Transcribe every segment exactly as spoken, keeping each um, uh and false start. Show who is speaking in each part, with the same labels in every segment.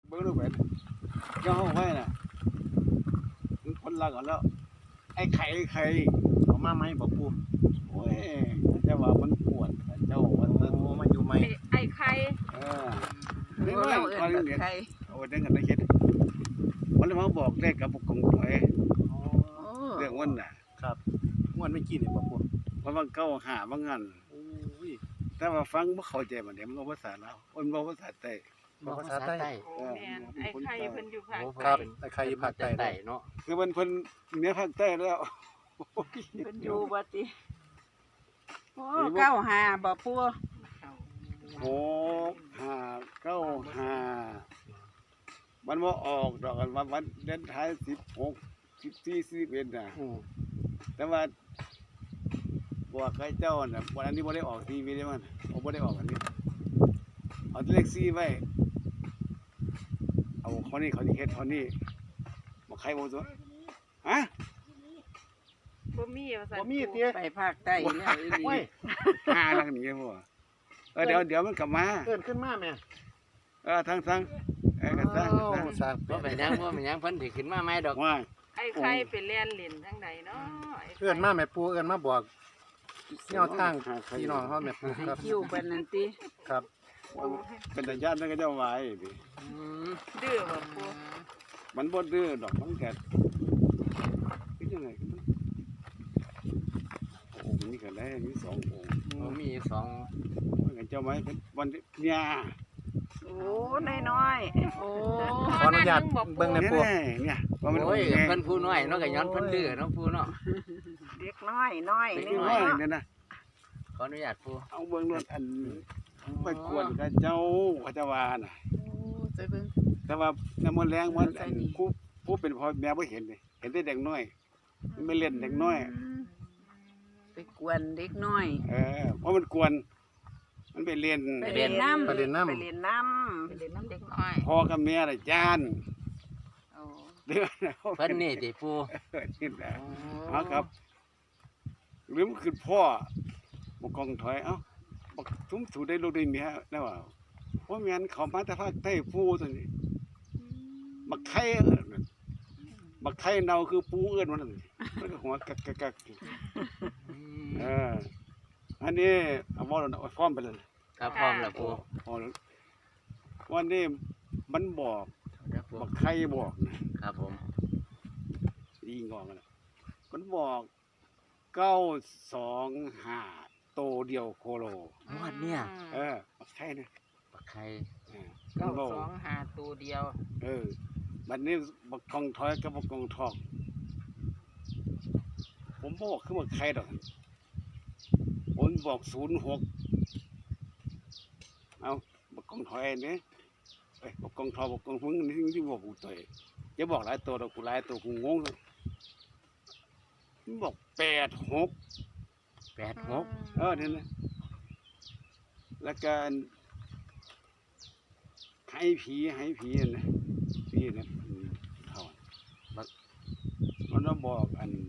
Speaker 1: เบิ้งดูไปเจ้าห้องไว้น่ะคนละก่อนแล้วไอ้ไข่ไอ้ไข่เอามาไหมบอกปูโอ้ยเจ้าว่ามันปวดเจ้าวันนั้นมาอยู่ไหม
Speaker 2: ไอ้ไข่
Speaker 1: เออเรื่องอะไรตอนเด็กเอาเรื่องกันได้คิดมันเลยมาบอกเลขกับกงถอยเรื่องวันน่ะ
Speaker 3: ครับม่วนไม่กินเนี่ยบ่ปู
Speaker 1: เพราะว่าเก้าหาบางงาน
Speaker 3: โอ้ย
Speaker 1: แต่ว่าฟังบ่เข้าใจมันเดี๋ยวมันภาษาลาวมันบ่ภาษาใต้
Speaker 3: บอกภาษาใต้
Speaker 2: โอ้แม่นไอ้ไข่เพิ่นอยู่ภาค
Speaker 3: ครับ
Speaker 2: ใต้
Speaker 3: แต่ใครอยู่ภาคใต้
Speaker 4: ใต้เนาะ
Speaker 1: คือมันเพิ่นเหนือภาคใต้แล้ว
Speaker 2: เพิ่นอยู่บ่ติ
Speaker 5: โอ้เก้าหาบ่ปัว
Speaker 1: หกห้าเก้าห้ามันบ่ออกดอกกันว่าวันเดือนท้ายสิบหกสิบสี่สิบเอ็ดน่ะ
Speaker 3: อืม
Speaker 1: แต่ว่าบอกให้เจ้าน่ะวันนี้บ่ได้ออกทีวีได้มันโอ้บ่ได้ออกอันนี้เอาเลขสี่ไว้เอาคนนี้เขาสิเฮ็ดคนนี้บ่ใครบ่ตัวฮะ
Speaker 2: บ่มีว่าซั่น
Speaker 3: บ่มีเตี้ย
Speaker 5: ไปภาคใต้แล้วอีหลี
Speaker 3: โอ้ย
Speaker 1: หาลังนี้บ่เออเดี๋ยวเดี๋ยวมันกลับมา
Speaker 3: เกินขึ้นมาแม่
Speaker 1: เออทางทางเออกันทาง
Speaker 3: โอ้
Speaker 1: ทาง
Speaker 3: สร้าง
Speaker 4: บ่เป็นหยังบ่เป็นหยังเพิ่นสิขึ้นมาใหม่ดอก
Speaker 1: ว่า
Speaker 2: ไอ้ไข่ไปเรียนเล่นทางใดเนาะไไข่
Speaker 3: เกินมาแม่ปูเอิ้นมาบอกแนวทางพี่น้องเฮาแม่ปูครับ
Speaker 5: คิวเพิ่นนั่นติ
Speaker 3: ครับ
Speaker 1: เป็นตาญาตินั่นก็เจ้าไว้ดิ
Speaker 4: อืม
Speaker 2: ดื้อบ่ปู
Speaker 1: มันบ่ดื้อดอกมันแก่คือยังไงโอ้มีกันได้มีสององค์
Speaker 4: บ่มีสอง
Speaker 1: มันกันเจ้าไม้วันเนี่ย
Speaker 5: โอ้น้อยๆโอ้
Speaker 3: ขออนุญาตเบิ่งใน
Speaker 1: เนี่ย
Speaker 3: ปู
Speaker 1: เนี่ยว่ามัน
Speaker 4: โอ้ย
Speaker 1: ไง
Speaker 4: เพิ่นผู้น้อยเนาะก็ย้อนเพิ่นดื้อเนาะปูเนาะ
Speaker 5: เด็กน้อยน้อย
Speaker 1: เด็ก
Speaker 5: นี่
Speaker 1: น้อย
Speaker 5: เนาะ
Speaker 1: เนี่ยนะ
Speaker 4: ขออนุญาตปู
Speaker 1: เอาเบิ่งรถอันไปกวนกับเจ้าเขาจะว่าน่ะ
Speaker 5: โอ้ใจเบิ่ง
Speaker 1: แต่ว่าน้ำมันแรงมันอันผู้ผู้เป็นพ่อแม่บ่เห็นเลยเห็นแต่เด็กน้อยมันไม่เล่นเด็กน้อย
Speaker 5: ไปกวนเด็กน้อย
Speaker 1: เออเพราะมันกวน มันไปเรียน
Speaker 5: ไปเรียนน้ำ
Speaker 3: ไปเรียนน้ำ
Speaker 5: ไปเรียนน้
Speaker 2: ไปเล่นน้ำเด็กน้อย
Speaker 1: พ่อกับแม่น่ะจาน
Speaker 5: ำโอ้
Speaker 1: เดือน
Speaker 4: เพิ่นนี่ติปู
Speaker 1: เออนี่แหละเอาครับ หรือมันคือพ่อบ่กองถอยเอ้าบักทุ่มถูได้ลูกได้เมียแล้วว่าเพราะแม่นเขามาแต่ภาคใต้ปูตัวนี้บักไข่บักไข่เนาคือปูเอื้อนมันนั่นมันก็หัวกักกักกัก
Speaker 4: อืม
Speaker 1: เอออันนี้เอาบ่เอาฟ้อมไปเลย
Speaker 4: ครับพร้อมแล้วปู
Speaker 1: พอแล้ววันนี้มันบอก
Speaker 4: เดี๋ยวปู
Speaker 1: บักไข่บอกนะครับ
Speaker 4: ผม
Speaker 1: อีงอกนะมันบอกเก้าสองห้าโตเดียวโคโล
Speaker 4: งวดเนี่ย
Speaker 1: เออบักไข่นะ
Speaker 4: บักไข่
Speaker 1: เออ
Speaker 2: เก้า
Speaker 1: มันบอก
Speaker 2: สองห้าตัวเดียว
Speaker 1: เออบัดนี้บักกองถอยกับบักกองทอง ผมบอกคือบักไข่ดอกผมบอกศูนย์หกเอาบักกองถอยเนี่ยเอ้ยบักกองทองบักกองพึ่งนี่ที่บอกกูตัวจะบอกหลายตัวดอกกูหลายตัวกูงงเลยมันบอกแปดหก
Speaker 4: แปดหก
Speaker 1: เออเนี่ยนะแล้วการให้ผีให้ผีนะผีนะอืมเท่าบักมันต้องบอกอัน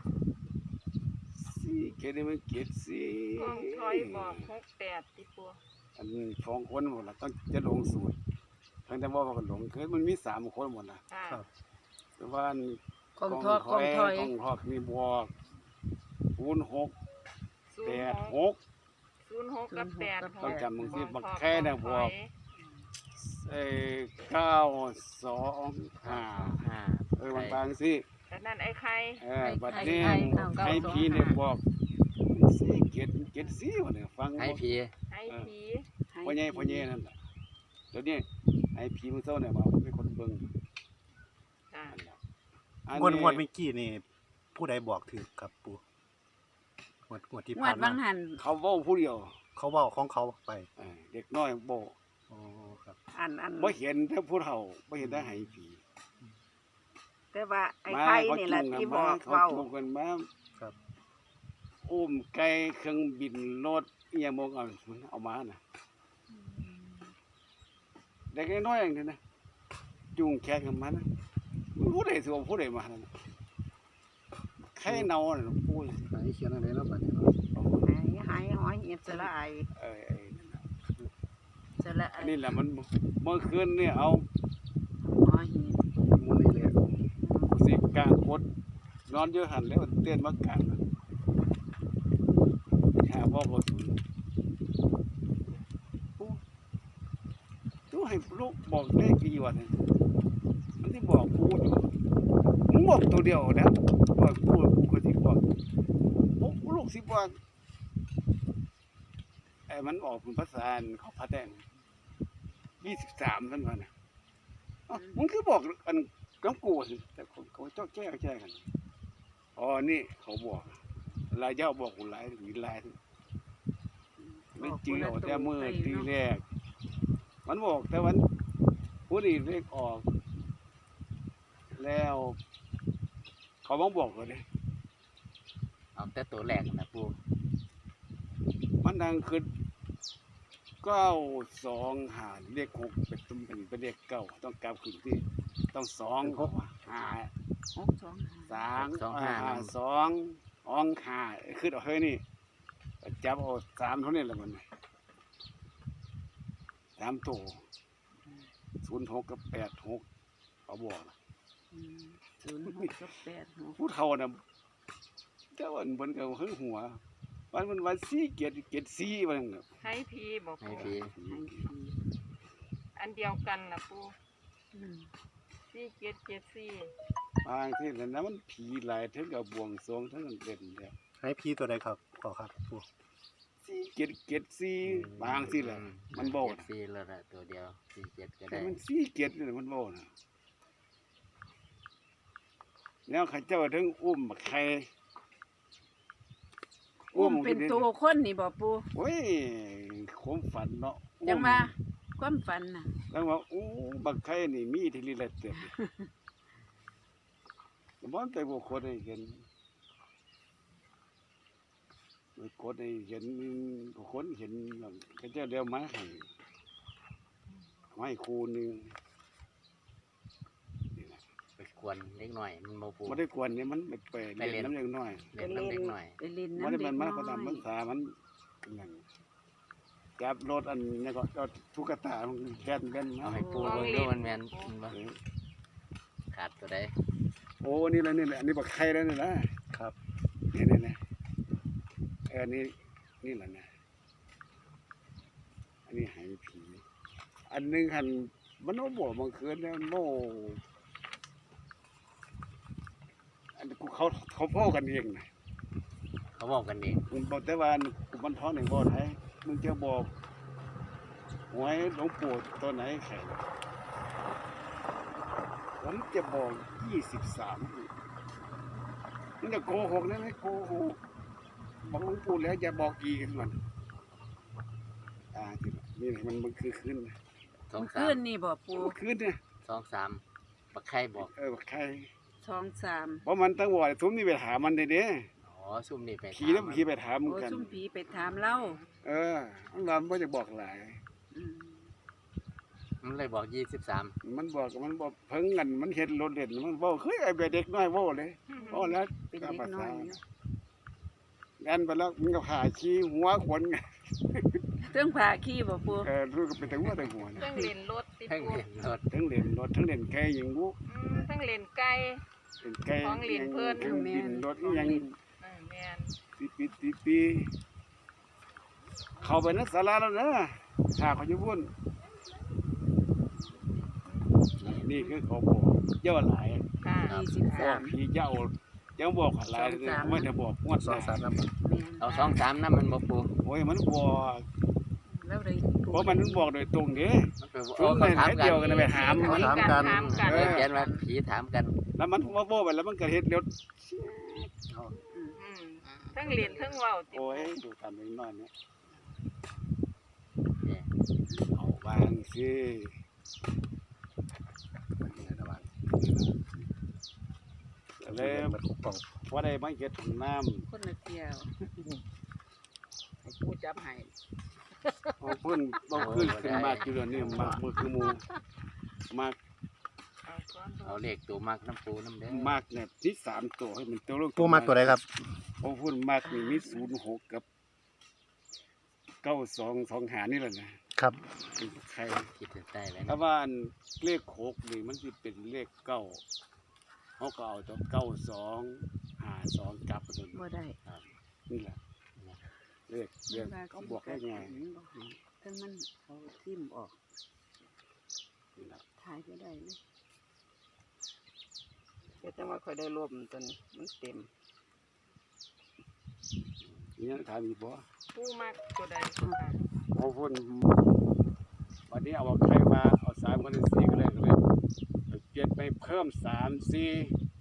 Speaker 1: สี่เกดมันเกดสี่
Speaker 2: กองถอยบอกหกแปดติปู
Speaker 1: อันสองคนหมดละต้องจะลงสูตรทั้งแต่ว่าก็หลงคือมันมีสามคนหมดละ
Speaker 2: ค่ะ
Speaker 1: แต่ว่าอัน
Speaker 5: กองทอกกองถอย
Speaker 1: กองทอกมีบวกคูณหก
Speaker 2: ศู
Speaker 1: แป
Speaker 2: น
Speaker 1: ด
Speaker 2: ย์
Speaker 1: ห
Speaker 2: หก
Speaker 1: ก
Speaker 2: ศูนย์หกกับแปดห
Speaker 1: ต้อง
Speaker 2: ก
Speaker 1: จำมึงสิ
Speaker 2: กอง
Speaker 1: บัก
Speaker 2: ทอ
Speaker 1: แค่น่ะ
Speaker 2: กอง
Speaker 1: บ
Speaker 2: ถ
Speaker 1: ว
Speaker 2: อก ย
Speaker 1: เอ้เก้าสองห้า
Speaker 4: ห้า
Speaker 1: เออบางบางสิ
Speaker 2: แต่นั่นไอ้ไข่
Speaker 1: เออบัดนี้
Speaker 5: ไข่ไข่ไข่
Speaker 1: ให้พี่เนี่ยบอกสี่เจ็ดเจ็ดสี่วันเนี่ยฟัง
Speaker 4: ให้ผี
Speaker 2: ไอ้ผี
Speaker 1: พ่อใหญ่พ่อใหญ่นั่นแหละเดี๋ยวนี้ให้พี่มึงเศร้าเนี่ยมาเป็นคนเบิ่ง
Speaker 2: ค่ะ
Speaker 1: อัน
Speaker 3: งวด
Speaker 1: นี้
Speaker 3: งวดเมื่อกี้นี่ผู้ใดบอกถือครับปูงวดงวดที่
Speaker 5: งว
Speaker 3: ผ่า
Speaker 5: ด
Speaker 3: น
Speaker 5: บา
Speaker 3: มา
Speaker 5: งหัน
Speaker 1: เขาเว้าผู้เดียว
Speaker 3: เขาเว้าของเขาไป
Speaker 1: เออเด็กน้อยโบ
Speaker 3: อ๋อครับ
Speaker 5: อันอัน
Speaker 1: บ่เห็นแต่ผู้เฒ่าบ่เห็นแต่ให้ผี
Speaker 5: แต่ว่าไอ้ไข่นี่แหละที่บอก
Speaker 1: เขา
Speaker 5: เว้า
Speaker 1: จุงกันมา
Speaker 3: ครับ
Speaker 1: อุ้มไก่เครื่องบินรถอีหยังบ่เอาเอามาน่ะเด็กน้อยๆอย่างนี้นะจูงแขนกันมานะผู้ใดสิเอาผู้ใดมานั่นน่ะไข่เน่าน่ะพูด
Speaker 3: ไหนเขียนอะไรแล้วบัดนี้
Speaker 5: หายหายหอยเหียดสละไอ
Speaker 1: เอ้ยไอ้นั่นน่ะ
Speaker 5: สละไอ
Speaker 1: อันนี้แหละมันเมื่อคืนเนี่ยเอานอนอยู่หันแล้วเตือนมากลางหาพ่อบ่สูนตู้ให้ลูกบอกเลขกี่วันมันที่บอกกูอยู่มึงบอกตัวเดียวนะบอกกูกูก็ที่บอกกูลูกสิบอกไอ้มันออกเป็นภาษาเขาพัดแดงยี่สิบสามท่านว่านะมึงคือบอกอันก้องกูสิแต่คนเขาเจ้าแก้แก้กันอ๋อนี่เขาบอกลายเจ้าบอกกูลายมีลายไม่จริงเอาแต่มือทีแรกมันบอกแต่วันผู้ดีเลขออกแล้วเขาบ้องบอกเลย
Speaker 4: เอาแต่ตัวแรกนะปู
Speaker 1: มันดังขึ้นเก้าสองหาเลขหกเป็นตุ้มเป็นเป็นเลขเก้าต้องกลับขึ้นที่ต้องสองหา
Speaker 5: หกสองห้า
Speaker 1: สามห้าสองอองหาขึ้นเอาเฮ้ยนี่จับเอาสามเท่านี้แหละมันสามตัวศูนย์หกกับแปดหกเขาบอก
Speaker 5: อืมศูนย์หกกับแปดหก
Speaker 1: ผู้เฒ่าน่ะเจ้าอันบนกับหึงหัววันมันวันสี่เกียรติเกียรติสี่วันนึงน่ะ
Speaker 2: ให้พีบอก
Speaker 4: ให้
Speaker 2: ปู
Speaker 4: พี่
Speaker 5: ให้ผี
Speaker 2: อันเดียวกันนะปู
Speaker 5: อืม
Speaker 2: สี่เจ็ดเจ็ดสี่
Speaker 1: บางที่นั่นนะมันผีหลายถึงกับบวงสรวงทั้งนั้นเด่นแล้ว
Speaker 3: ให้พี่ตัวใดครับขอครับปู
Speaker 1: สี่เกียรติเกียรติสี่บางที่แหละมันโบ
Speaker 4: เจ็
Speaker 1: นะ
Speaker 4: ดสี่แล้วละตัวเดียวสี่เจ็ดก็
Speaker 1: แต่
Speaker 4: ได้
Speaker 1: มันสี่เกียรตินี่มันโบนะแล้วข้าเจ้าถึงอุ้มใคร
Speaker 5: อุ้มเป็นตัวคนนี่บ่ปู
Speaker 1: โอ้ยความฝันเนาะ
Speaker 5: จังว่าความฝันน่ะ
Speaker 1: แล้วว่าอู้บักไข่นี่มีที่ลีละเต็มแต่บ่แต่บ่คนให้เห็นบ่คนให้เห็นบ่คนเห็นก็เจ้าเดียวมาให้ให้ครูนึงนี่แหละ
Speaker 4: ไปกวนเล็กหน่อยมันโมปู
Speaker 1: บ่ได้กวนนี่มันไปไป
Speaker 4: ไปเล่
Speaker 1: เล่น
Speaker 4: น
Speaker 1: น้ำเล็กน้อย
Speaker 4: เล็กน้ำเล็กหน่อย
Speaker 5: ไปเล่น
Speaker 1: บ่
Speaker 5: น้ำ
Speaker 1: ได้
Speaker 5: เด็
Speaker 1: มัน
Speaker 5: ก
Speaker 1: มัน
Speaker 5: น้
Speaker 1: ก็ตาม
Speaker 5: อ
Speaker 1: ภาย ษามันนั่นจับรถอันนี้ก็เอาตุ๊กตามันแก่นกัน
Speaker 4: เอา
Speaker 1: มา
Speaker 4: ให้ปูเบิ่งดูมันแม่นมันบ่
Speaker 1: เออ
Speaker 4: ขาดตัวใด
Speaker 1: โอ้นี่แหละนี่แหละอันนี้บักไข่แล้วนี่นะครับ นี่นี่นี่เออนี่นี่แหละนะอันนี้หายผี อันหนึงหันมันโอ้บอกบางคืนแล้วโน่อันกูเขาเขาพ่อกันเองนะ
Speaker 4: เขาบอกกันเอง
Speaker 1: มึงบอกแต่ว่าอันกูมันท้องหนึ่งบอกไหนมึงจะบอกหวยหลวงปู่ตัวไหนแข่งผมจะบอกยี่สิบสามมึงจะโกหกได้ไหมโกหกบอกหลวงปู่แล้วจะบอกอีกมันอ่าที่นี่มันมันคือคืนนะ
Speaker 4: สอง
Speaker 5: ำ
Speaker 4: สา
Speaker 5: คื
Speaker 4: ม
Speaker 5: นนี่บ่ปู
Speaker 1: มันคืนเนี่ย
Speaker 4: สองสามปักไข่บอก
Speaker 1: เออใคร
Speaker 5: สองสาม
Speaker 1: เพราะมันตั้งวอดทุ่มนี่ไปถามมันเด้เด้
Speaker 4: อ๋อซุ่มนี่ไป
Speaker 1: ขี่แล้วขี่ไปถามมึง
Speaker 5: โอ้
Speaker 1: กัน
Speaker 5: ซุ่มผีไปถามเล่า
Speaker 1: เออมันว่ามันจะบอกหลาย
Speaker 5: อืม
Speaker 4: มันเลยบอกยี่สิบสาม
Speaker 1: มันบอกมันบอกเพิ่งกันมันเห็นรถเด่นมันบอกเฮ้ยไอ้เด็กน้อยโว้เลยโอ้แล้ว
Speaker 5: เป็นเด็กน้อยอยู่
Speaker 1: งั้นไปแล้วมันก็ผ่าชี้หัวขวนไง
Speaker 5: เรื่องผ่าขี้บ่ปู
Speaker 1: เออรู้ก็เป็นแต่หัวแต่หัว
Speaker 2: เค
Speaker 1: นะ
Speaker 2: รื่องเล่นรถติด
Speaker 4: แท่ง
Speaker 2: ปู
Speaker 4: เห็นรถ
Speaker 1: ทั้งเล่นรถทั้งเล่นไก่ยิงบุ
Speaker 2: อืมเครื่องเล่นไก่
Speaker 1: เล่นไก่
Speaker 2: ของเล่นเพิ่น
Speaker 1: เครื่องบินรถยัง
Speaker 2: เออแมน
Speaker 1: ปีปีปีปีเข้าไปนักศาลาแล้วนะถ้าเขาจะวุ่นนี่คือเขาบอกเจ้าหลาย
Speaker 2: ค่ะ
Speaker 5: ยี่สิบ
Speaker 1: บอ
Speaker 5: สาก ม
Speaker 1: พี่เจ้ายังบอกหลายเลยไม่ได้บอกงวด
Speaker 3: สองสามน้ำ
Speaker 5: แม่น
Speaker 4: เอาสองสามน้ำมันบ่ปู
Speaker 1: โอ้ยมันบอก
Speaker 5: แล้วเลย
Speaker 1: เพราะมันบอกโดยตรงเด้
Speaker 4: มันไปบอก
Speaker 1: ชุด
Speaker 4: เขา
Speaker 1: ไหน
Speaker 4: ถาม
Speaker 1: ไหน
Speaker 4: กั
Speaker 1: เดี
Speaker 4: น
Speaker 1: ยวกันไปถาม
Speaker 2: คุ
Speaker 1: มัน
Speaker 2: ยกันถามกัน
Speaker 4: เออเขียนว่าผีถามกัน
Speaker 1: แล้วมันว่าโบ้ไปแล้วมันก็เฮ็ดเร็ว
Speaker 2: อืมทั้งเล่นทั้งเว้าติด
Speaker 1: โอ้
Speaker 2: ปู
Speaker 1: ยดูตามไปน้อยเนี่ย
Speaker 4: เนี่ย
Speaker 1: เอาบางสิเลย
Speaker 3: มันถูกต้อง
Speaker 1: พอได้มาเฮ็ดถุงน้
Speaker 5: คนละเกี่ยว
Speaker 2: ให้ปูจับให้
Speaker 1: ำเอาเพิ่นบ่ขึ้นขึ้นมากอยู่เดี๋ยวนี้มากมือคือหมู่มาก
Speaker 2: เอาก่อน
Speaker 4: เอาเลขตัวมากน้ำปูน้ำเด้อ
Speaker 1: มากเนี่ยที่สามตัวให้มันตัวลง
Speaker 3: ปูมากตัวใดครับ
Speaker 1: โอ้พูดมากนี่มีศูนย์หกกับเก้าสองสองหานี่แหละนะครับ เป็นใคร
Speaker 4: คิดถึงได้เลย
Speaker 1: ถ้าว่าอันเลขหกนี่มันจะเป็นเลขเก้าเขาก็เอาตัวเก้าสองสองกลับไปจน
Speaker 5: บ่ได้
Speaker 1: นี่แหละเลขเรียกเขาบอกได้ไง
Speaker 5: ถ้ามันเอาทิ่มออก
Speaker 1: นี่แหละ
Speaker 5: ถ่ายก็ได้เลยแต่จังว่าค่อยได้รวมตัวนี้มันเต็ม
Speaker 1: นี่ยังถามอีกบ่
Speaker 2: ปูมักตัวใดค่ะ
Speaker 1: พอพูดวันนี้เอาใครมาเอาสามคนเป็นสี่ก็เลยก็เลยเปลี่ยนไปเพิ่มสามสี่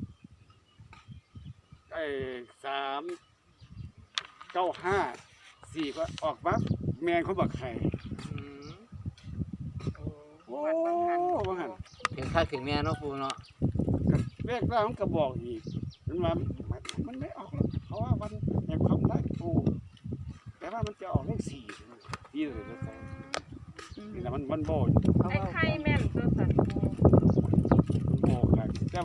Speaker 1: ไอ้สามเก้าห้าสี่ก็ออกปั๊บแมนเขาบอกใคร
Speaker 2: อืมโอ้
Speaker 1: โอ้
Speaker 2: วัดบางหัน
Speaker 1: บางหัน
Speaker 4: ถึงข้าถึงแม่เนาะปูเนาะ
Speaker 1: แรกแล้วมันก็บอกอีกมันว่ามันมันไม่ออกแล้วเพราะว่ามันแห่งความรักกูแต่ว่ามันจะออกเลขสี่สี่เลยก็ใส่นี่แหละมันมันโบย
Speaker 5: เพราะ
Speaker 2: ไอ้
Speaker 5: ว่า
Speaker 2: ไข่แม่นตัวสัตว์ปู